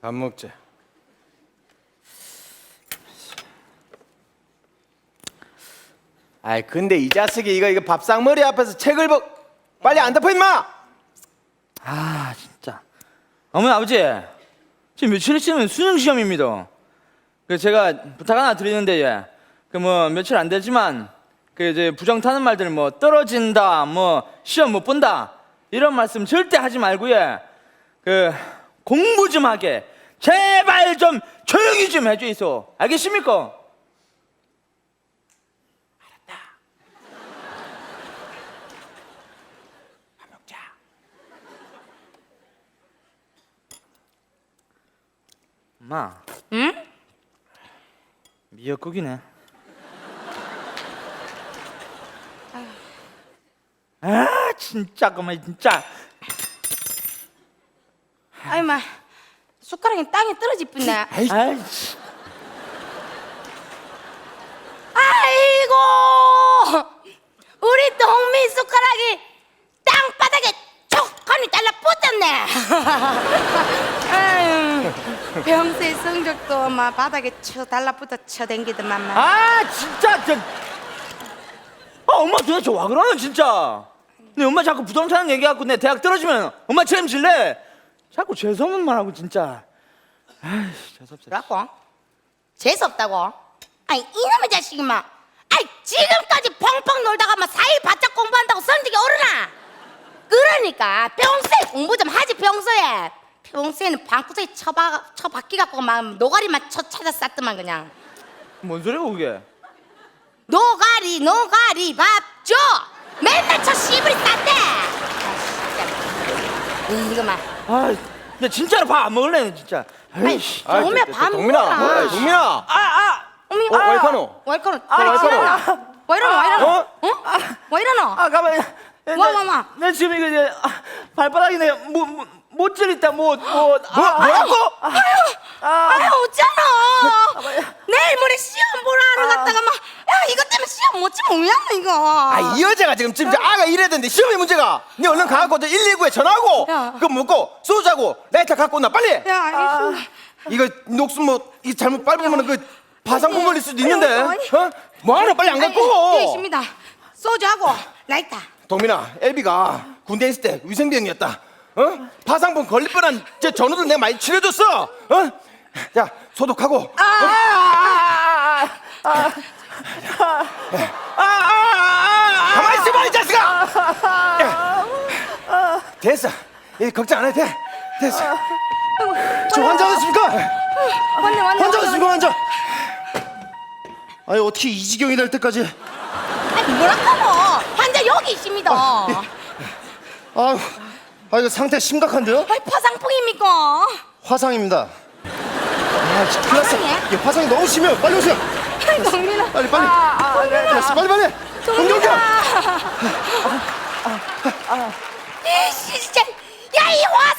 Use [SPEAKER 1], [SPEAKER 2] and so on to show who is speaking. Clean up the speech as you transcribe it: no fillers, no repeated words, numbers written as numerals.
[SPEAKER 1] 밥 먹자. 아이 근데 이 자식이 이거 밥상머리 앞에서 책을 빨리 안 덮어 임마.
[SPEAKER 2] 아 진짜 어머니 아버지 지금 며칠 있으면 수능 시험입니다. 그 제가 부탁 하나 드리는데 그 뭐 며칠 안 되지만 그 이제 부정 타는 말들 뭐 떨어진다 뭐 시험 못 본다 이런 말씀 절대 하지 말고요. 그 공부 좀 하게 제발 좀 조용히 좀 해주이소. 알겠습니까? 엄마.
[SPEAKER 3] 응?
[SPEAKER 2] 미역국이네. 아 진짜 그만 진짜.
[SPEAKER 3] 아이 마 숟가락이 땅에 떨어질 뻔네.
[SPEAKER 2] 아이씨.
[SPEAKER 3] 아이고 우리 동미 숟가락이 땅바닥에 촉하니 달라붙었네. 아유, 평소에 성적도 막 바닥에 쳐 달라붙어 쳐댕기더만.
[SPEAKER 2] 아 진짜 저. 아 엄마 도대체 와 그러는 진짜. 내 엄마 자꾸 부동산 얘기하고 내 대학 떨어지면 엄마 책임질래? 자꾸 재수없는 말하고 진짜. 아이씨 재수없어.
[SPEAKER 3] 뭐라고? 재수없다고? 아이 이놈의 자식이 막 아이 지금까지 펑펑 놀다가 막 사이 바짝 공부한다고 성적이 오르나? 그러니까 평소에 공부 좀 하지. 평소에는 방구석에 처박기 갖고 막 노가리만 찾아 쌌더만 그냥.
[SPEAKER 2] 뭔 소리고 그게?
[SPEAKER 3] 노가리 밥 줘. 맨날 저 씨부리 쌌대. 이거만.
[SPEAKER 2] 아, 나 진짜로 밥 안 먹을래 진짜.
[SPEAKER 3] 아이
[SPEAKER 2] 아이씨.
[SPEAKER 3] 오메 밥
[SPEAKER 1] 동민아,
[SPEAKER 3] 먹어라.
[SPEAKER 1] 동민아.
[SPEAKER 3] 어미
[SPEAKER 1] 와이카노.
[SPEAKER 3] 와이카노.
[SPEAKER 1] 와이카노.
[SPEAKER 3] 와 이러노?
[SPEAKER 1] 어?
[SPEAKER 3] 와 이러노?
[SPEAKER 2] 아 가만.
[SPEAKER 3] 와.
[SPEAKER 2] 내 지금 이거 이제 발바닥이 내 못질 있다
[SPEAKER 1] 뭐라고?
[SPEAKER 3] 아유 어쩌노? 내일 모레 시험 보러 하러 갔다가 막 야 이것 때문에 시험 못 치면 뭐야 이거.
[SPEAKER 1] 아 이 여자가 지금 아가 이래던데 시험이 문제가. 네 얼른 가갖고 저 119에 전화하고
[SPEAKER 3] 야.
[SPEAKER 1] 그거 먹고 소주하고 라이터 갖고 온나 빨리.
[SPEAKER 3] 야 알겠습니다.
[SPEAKER 1] 이거 녹슨 이 잘못 밟으면 그 파상풍 걸릴 수도 있는데.
[SPEAKER 3] 아니.
[SPEAKER 1] 어? 뭐하러 빨리 안 갖고.
[SPEAKER 3] 예 있습니다. 소주하고 라이터.
[SPEAKER 1] 동민아, 엘비가 군대 있을 때 위생병이었다. 어? 파상풍 걸릴 뻔한 제 전우들 내가 많이 치료줬어. 어? 자, 소독하고. 가만히 있어봐 이 자식아. 됐어. 걱정 안 해도 돼. 됐어.
[SPEAKER 4] 저 환자 어딨습니까?
[SPEAKER 3] 왔네.
[SPEAKER 4] 환자 어딨습니까 환자? 아니 어떻게 이 지경이 될 때까지?
[SPEAKER 3] 아니 뭐라카노? 환자 여기 있습니다.
[SPEAKER 4] 아유, 이거 상태 심각한데요?
[SPEAKER 3] 아이 파상풍입니까?
[SPEAKER 4] 화상입니다. 아, 진짜 큰일 났어.
[SPEAKER 3] 화상이야?
[SPEAKER 4] 이게 화상이 너무 심해요. 빨리 오세요.
[SPEAKER 3] 아이 동민아.
[SPEAKER 4] 빨리. 됐어, 빨리. 공격이야.
[SPEAKER 3] 이씨 진짜. 야 이